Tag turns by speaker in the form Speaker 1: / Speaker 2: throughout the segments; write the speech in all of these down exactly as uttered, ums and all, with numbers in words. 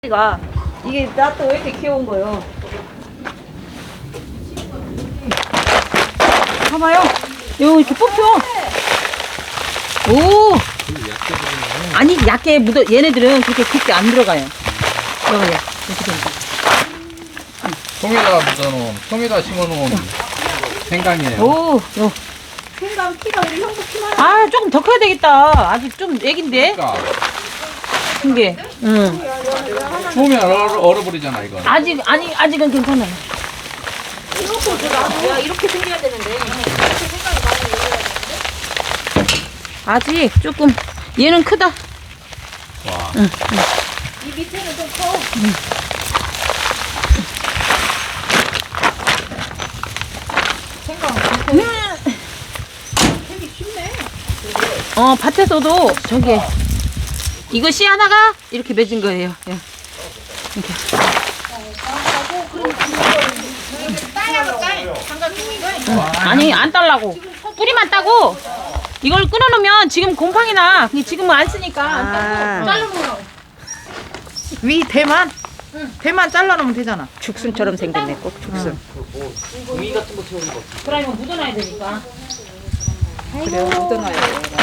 Speaker 1: 가 이게 나 또 왜 이렇게 귀여운 거요? 봐봐요. 요 이렇게 뽑혀. 오. 아니 얇게 묻어. 얘네들은 그렇게 깊게 안 들어가요. 여기 이렇게 됩니다.
Speaker 2: 통에다 묻어놓은, 통에다 심어놓은 생강이에요.
Speaker 1: 오. 요.
Speaker 3: 생강 키가 우리 형부 키만
Speaker 1: 아 조금 더 커야 되겠다. 아직 좀 애긴데.
Speaker 2: 그러니까
Speaker 1: 큰 게. 응.
Speaker 2: 추우면 얼어, 얼어버리잖아 이거.
Speaker 1: 아직 아니 아직은 괜찮아요.
Speaker 3: 야 이렇게 생겨야 되는데 이렇게 생강이 많이 올려야 되는데
Speaker 1: 아직 조금 얘는 크다.
Speaker 2: 와.
Speaker 1: 응.
Speaker 3: 이 밑에는 좀 커. 생강 캐기 쉽네.
Speaker 1: 어 밭에서도 저기 이거 씨 하나가 이렇게 맺은 거예요. 예. 이렇게.
Speaker 3: 따야로 따. 생강 키고
Speaker 1: 응. 아니 안 딸라고 뿌리만 따고 이걸 끊어놓으면 지금 곰팡이나 근데 지금은 안 쓰니까 안 따고 잘라놓으라고.
Speaker 4: 위 대만? 대만 잘라놓으면 되잖아.
Speaker 1: 죽순처럼 생겼네 꼭 죽순. 그러면 묻어놔야 되니까.
Speaker 4: 그래요. 묻어놔야 돼.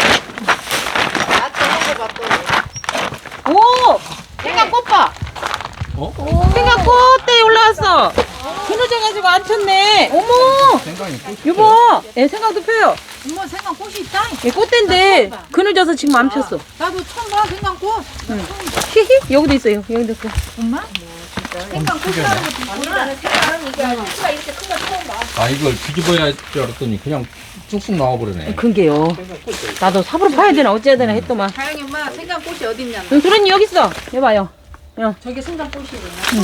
Speaker 1: 오 생강 꽃봐.
Speaker 2: 어?
Speaker 1: 생강 꽃대 올라왔어. 그늘져가지고 안 폈네. 어머
Speaker 2: 생강이 꽃이
Speaker 1: 여보 예, 생강도 펴요.
Speaker 4: 엄마 생강 꽃이 있다.
Speaker 1: 예, 꽃대인데 그늘져서 지금 안 폈어.
Speaker 4: 나도 처음 봐 생강 꽃.
Speaker 1: 히히 여기도 있어요. 여기도 있고.
Speaker 4: 엄마?
Speaker 3: 생강 꽃이라는 것도 보이잖아. 생강은 이게 키가 이렇게 큰 거 처음 봐.
Speaker 2: 아 이걸 뒤집어야 할 줄 알았더니 그냥 쑥쑥 나와버리네.
Speaker 1: 그게요. 나도 삽으로 파야 되나 어째야 되나 했더만.
Speaker 4: 다영이 엄마 생강 꽃이 어딨냐?
Speaker 1: 응, 소련이 여기 있어. 여봐요. 어.
Speaker 3: 저게 생강 꽃이래.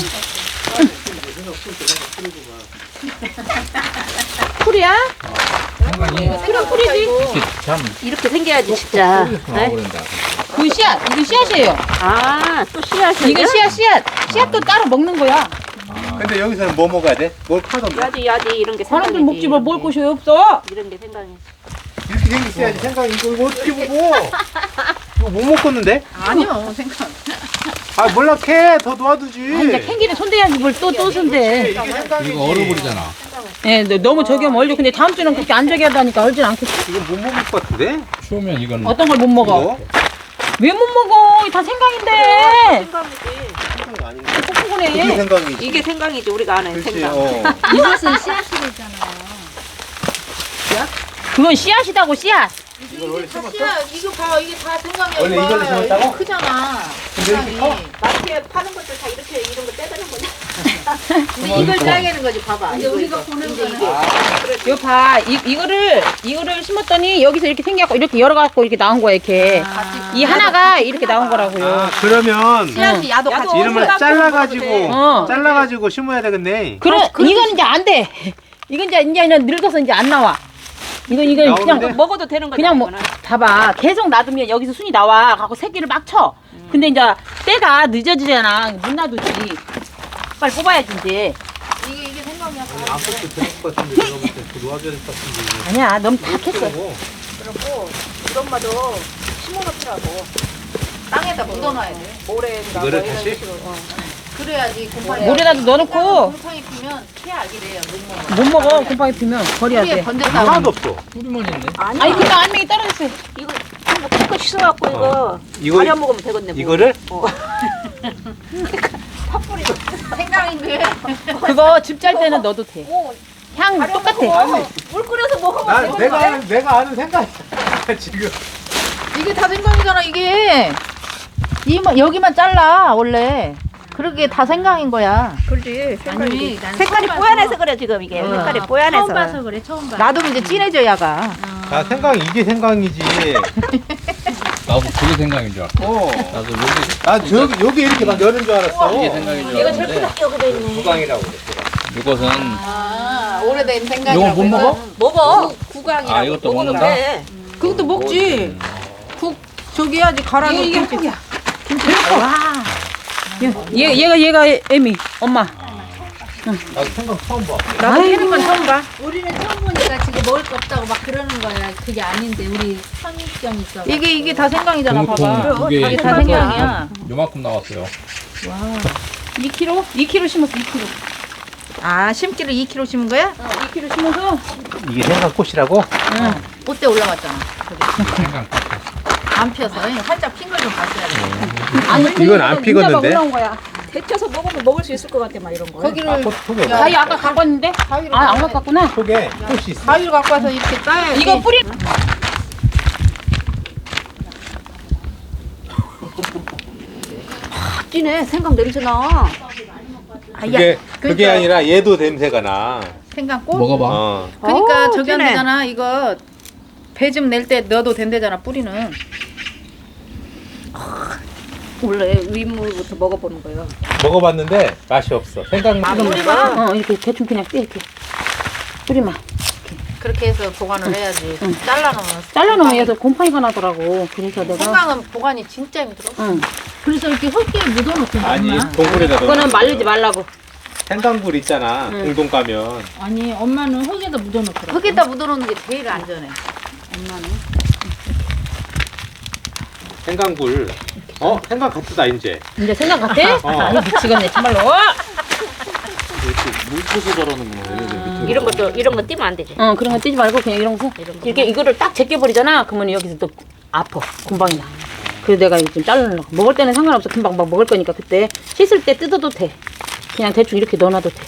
Speaker 1: 풀이야?
Speaker 2: 생강이
Speaker 1: 풀은 풀이지.
Speaker 2: 이렇게 참
Speaker 3: 이렇게 생겨야지 진짜.
Speaker 2: 쑥쑥 나와버린다.
Speaker 1: 그 씨앗. 이거 씨앗이에요.
Speaker 3: 아, 또 씨앗이.
Speaker 1: 이거 씨앗 씨앗. 씨앗도 따로 먹는 거야.
Speaker 5: 근데 여기서는 뭐 먹어야 돼? 뭘 파던데?
Speaker 3: 야지 야지 이런 게 생강이지.
Speaker 1: 사람들 먹지 뭐 먹을 곳이 없어.
Speaker 3: 이런 게 생강이지.
Speaker 5: 이렇게 생겼어야지 생강 이거 이거 어떻게 먹어? 이거 못 먹겠는데?
Speaker 4: 아니요 생강.
Speaker 5: 아 몰라 캐더 놓아두지.
Speaker 1: 아, 이제 캥기는 손대야지 뭘 또 또 손대.
Speaker 5: 이게 생강이지.
Speaker 2: 이거 얼어버리잖아.
Speaker 1: 예, 네, 너무 저기 하면 얼려. 근데 다음 주는 그렇게 안 저기 하다니까 얼진 않겠지.
Speaker 5: 이건 못 먹을 것 같은데?
Speaker 2: 추우면 이건
Speaker 1: 어떤 걸 못 먹어?
Speaker 5: 이거?
Speaker 1: 왜 못 먹어? 다 생강인데.
Speaker 3: 생강이지.
Speaker 5: 생강 아닌데? 이게
Speaker 1: 콩콩하네.
Speaker 5: 생강이지.
Speaker 3: 이게 생강이지 우리가 아는
Speaker 5: 그렇지.
Speaker 3: 생강.
Speaker 5: 어.
Speaker 3: 이것은 씨앗으로 있잖아요.
Speaker 1: 그건 씨앗이다고 씨앗.
Speaker 5: 이걸 원래 심었어?
Speaker 4: 씨앗 이거 봐 이게 다 생강이야.
Speaker 5: 원래
Speaker 4: 이거
Speaker 5: 이걸로
Speaker 4: 봐요.
Speaker 5: 심었다고?
Speaker 4: 이거 크잖아.
Speaker 5: 근데 이렇게
Speaker 4: 생강이.
Speaker 5: 커?
Speaker 3: 마트에 파는 것들 다 이렇게 이런 거 떼드는 거냐?
Speaker 4: 근데 이걸 따야되는 거지 봐봐.
Speaker 3: 이제 우리가 보는
Speaker 4: 이제
Speaker 3: 거는
Speaker 4: 이게.
Speaker 1: 이거 봐. 이, 이거를 이거를 심었더니 여기서 이렇게 생겨갖고 이렇게 열어갖고 이렇게 나온 거야 이렇게. 이 하나가 이렇게 나온 거라고요.
Speaker 5: 아 그러면
Speaker 4: 씨앗이 야도 같이.
Speaker 3: 야도
Speaker 5: 이름을
Speaker 3: 생강
Speaker 5: 잘라가지고
Speaker 1: 어.
Speaker 5: 잘라가지고 심어야 되겠네.
Speaker 1: 그래, 이건 이제 안 돼. 이건 이제 이제 늙어서 이제 안 나와. 이건 이건
Speaker 5: 나오는데?
Speaker 1: 그냥
Speaker 3: 먹어도 되는 거잖아.
Speaker 1: 그냥 뭐
Speaker 3: 이거는.
Speaker 1: 봐봐. 계속 놔두면 여기서 순이 나와. 갖고 새끼를 막 쳐. 근데 이제 때가 늦어지잖아. 못 놔두지. 빨리 뽑아야지 이제.
Speaker 4: 이게 이게 생강이야.
Speaker 5: 아무것도 될것 같은데 내가 볼때 놓아줘야 될 것 같은데.
Speaker 1: 아니야, 너무 다 캤어.
Speaker 5: 그러고.
Speaker 3: 그렇고 우리 엄마도 심어놓더라고.
Speaker 4: 땅에다 묻어놔야 돼.
Speaker 3: 모래인가
Speaker 5: 이거를
Speaker 3: 뭐 이런
Speaker 5: 다시?
Speaker 3: 식으로. 어.
Speaker 4: 그래야지 곰팡이.
Speaker 1: 물에다도 넣어놓고
Speaker 4: 곰팡이 피면 피 알게 돼요. 못 먹어.
Speaker 1: 못 먹어. 곰팡이 피면 버려야
Speaker 4: 뿌리에
Speaker 1: 돼.
Speaker 4: 건졌다.
Speaker 5: 하나도 없어.
Speaker 2: 뿌리만 있네.
Speaker 3: 아니,
Speaker 1: 아니 그냥 알맹이 떨어졌어요.
Speaker 3: 이거 한번 큰 씻어갖고 이거
Speaker 5: 어. 이거-
Speaker 3: 가려 먹으면 되겠네. 뭐.
Speaker 5: 이거를?
Speaker 3: 어. 팥뿌리.
Speaker 4: 생강인데.
Speaker 1: 그거 집 짤 때는 넣어도 돼.
Speaker 3: 오,
Speaker 1: 향
Speaker 3: 가려
Speaker 1: 똑같아.
Speaker 3: 먹어. 물 끓여서 먹으면
Speaker 5: 나
Speaker 3: 되는
Speaker 5: 내가
Speaker 3: 거야.
Speaker 5: 아는 내가 아는 생각 지금.
Speaker 4: 이게 다 생강이잖아 이게. 이만 여기만 잘라 원래. 그러게 다 생강인 거야.
Speaker 3: 그렇지.
Speaker 4: 아니, 난
Speaker 3: 색깔이
Speaker 4: 처음
Speaker 3: 뽀얀해서
Speaker 4: 봐서.
Speaker 3: 그래 지금 이게.
Speaker 4: 어.
Speaker 3: 색깔이 뽀얀해서.
Speaker 6: 처음 봐서 그래 처음 봐.
Speaker 4: 놔두면 이제 진해져야가.
Speaker 5: 아 생강 이게 생강이지.
Speaker 2: 나도 그게 생강인 줄 알았어.
Speaker 5: 어.
Speaker 2: 나도 여기
Speaker 5: 나 저기 여기 이렇게 막 여는 줄 알았어.
Speaker 2: 이게 생강인 줄
Speaker 3: 얘가 제일
Speaker 2: 알았는데
Speaker 3: 크다 여기 돼 있네.
Speaker 5: 구강이라고 그래.
Speaker 2: 이것은
Speaker 4: 아 오래된 생강이라고.
Speaker 2: 이거 못 먹어?
Speaker 4: 해서.
Speaker 3: 먹어. 구강이라고.
Speaker 2: 아, 이것도
Speaker 3: 먹어도
Speaker 2: 먹는다?
Speaker 3: 돼.
Speaker 4: 그것도 먹지. 국 저기 해야지 갈아
Speaker 1: 이게 이게
Speaker 4: 넣고.
Speaker 1: 한국이야. 와. 얘 얘가 얘가 애미 엄마.
Speaker 5: 나도 생강 처음 봐.
Speaker 4: 나도 해는 건 처음 봐.
Speaker 6: 우리는 처음 보니까 지금 먹을 거 없다고 막 그러는 거야. 그게 아닌데 우리 선입견 있어.
Speaker 4: 이게 이게 다 생강이잖아.
Speaker 2: 동통
Speaker 4: 봐봐.
Speaker 2: 두 개,
Speaker 4: 이게 다 생강이야.
Speaker 2: 요만큼 나왔어요.
Speaker 1: 이 킬로그램? 이 킬로그램 심었어, 이 킬로그램.
Speaker 4: 아, 심기를 이 킬로그램 심은 거야?
Speaker 1: 어, 이 킬로그램 심어서
Speaker 5: 이게 생강꽃이라고?
Speaker 4: 응. 꽃대 올라갔잖아.
Speaker 2: 생강.
Speaker 4: 안 펴서 살짝 핀 거 좀 봤어야 돼.
Speaker 1: 아니
Speaker 5: 이건 안 피겠는데?
Speaker 1: 올라온 거야.
Speaker 3: 데쳐서 먹으면 먹을 수 있을 것 같아 막 이런 거.
Speaker 4: 거기를
Speaker 5: 속에
Speaker 1: 가위 아까 갖고 왔는데?
Speaker 4: 가위로
Speaker 1: 아, 안 갖고 왔구나.
Speaker 5: 속에 꽃이 있어.
Speaker 4: 가위로 갖고 와서 이렇게 따야지.
Speaker 1: 이거 뿌리
Speaker 3: 찌네 생강 냄새 나.
Speaker 5: 그게 그게
Speaker 4: 그러니까-
Speaker 5: 아니라 얘도 냄새가 나.
Speaker 4: 생강꽃?
Speaker 2: 먹어봐.
Speaker 5: 어.
Speaker 4: 그러니까
Speaker 3: 어우,
Speaker 4: 저기 안
Speaker 3: 진해.
Speaker 4: 되잖아. 이거 배 좀 낼 때 넣어도 된대잖아. 뿌리는.
Speaker 3: 원래 윗물부터 먹어보는 거예요.
Speaker 5: 먹어봤는데 맛이 없어. 생강 맛.
Speaker 1: 뿌리만 어, 이렇게 대충 그냥 떼 이렇게. 뿌리만.
Speaker 4: 그렇게 해서 보관을 해야지. 잘라놓으면.
Speaker 1: 잘라놓으면 얘도 곰팡이가 나더라고. 그래서 내가
Speaker 4: 생강은 보관이 진짜 힘들어.
Speaker 1: 응.
Speaker 4: 그래서 이렇게 흙에 묻어놓고
Speaker 5: 아니
Speaker 4: 엄마.
Speaker 5: 동굴에다 넣어.
Speaker 1: 그거는 말리지 말라고.
Speaker 5: 생강굴 있잖아. 공동 가면.
Speaker 4: 아니 엄마는 흙에다 묻어놓더라고. 흙에다 묻어놓는 게 제일 안전해.
Speaker 5: 생강굴. 어? 생강 같다 이제.
Speaker 1: 이제 생각 같아?
Speaker 5: 어.
Speaker 1: 아니 미치겠네 정말로.
Speaker 5: 물고서 저러는구나. 얘네들 밑에.
Speaker 3: 이런 것도 이런 거 띄면 안 되지.
Speaker 1: 어 그런 거 떼지 말고 그냥 이런 거 이렇게 이거를 딱 제껴버리잖아. 그러면 여기서 또 아파. 곰팡이 나. 그래서 내가 이거 좀 자르려고. 먹을 때는 상관없어. 금방 막 먹을 거니까 그때 씻을 때 뜯어도 돼. 그냥 대충 이렇게 넣어놔도 돼.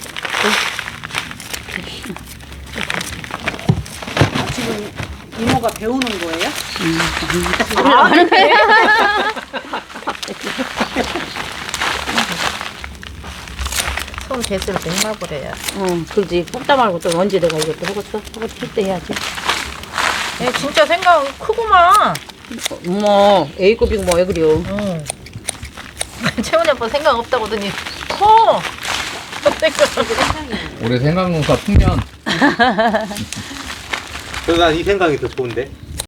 Speaker 6: 이모가 배우는 거예요?
Speaker 1: 아, 그래?
Speaker 4: 손 대을 맹마버려야.
Speaker 1: 응, 그러지. 뽑다 말고 또 언제 내가 이것도 하겠어? 하고 칠때 해야지.
Speaker 4: 얘 진짜 생강 크구만.
Speaker 1: 어머, A급이고 뭐 왜 그래요?
Speaker 4: 응. 채원이 아빠 생각 없다고 하더니 커.
Speaker 2: 올해 생강 농사 풍년.
Speaker 5: 그래서 난 이 생강이 더 좋은데.